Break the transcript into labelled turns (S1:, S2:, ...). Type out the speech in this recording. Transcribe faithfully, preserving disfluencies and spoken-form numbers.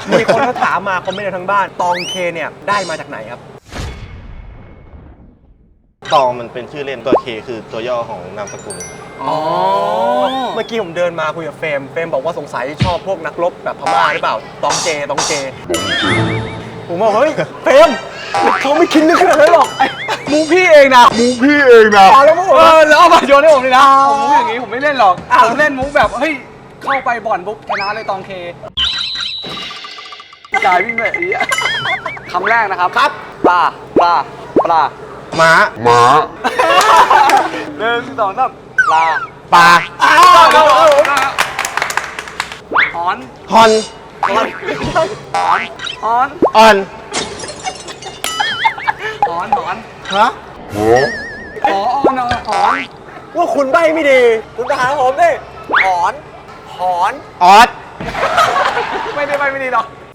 S1: มีคนเขาถามมาคอมเมนต์ทั้งบ้านตองเคเนี่ยได้มาจากไหนครับ
S2: ตองมันเป็นชื่อเล่นตัวเคคือตัวย่อของนามสกุล
S1: อ๋อเมื่อกี้ผมเดินมาคุยกับเฟรมเฟรมบอกว่าสงสัยชอบพวกนักรบแบบพม่าหรือเปล่าตองเจตองเจผมบอกเฮ้ยเฟรมเขาไม่คิดนึกขนาดนั้นหรอกมูพี่เองนะมูพี่เองนะแล้วเออแล้วเอามาโยนให้ผมเลยนะผมมุกอย่างนี้ผมไม่เล่นหรอกผมเล่นมุกแบบเฮ้ยเข้าไปบ่อนปุ๊บชนะเลยตองเคจ่ายวิ่งแบบนี้คำแรกนะครับครับปลาปลาปลา
S2: ม้าม้า
S1: หนึ่งสองสามปลา
S2: ปลา
S1: อ้าวหอน
S2: ฮอน
S1: หอนหอนหอน
S2: ออน
S1: หอนหอน
S2: ฮะ
S1: หอนหอนหอนว่าคุณใบไม่ดีคุณจะหาผมดิหอนหอน
S2: ออด
S1: ไม่ได้ใบไม่ดีหรอก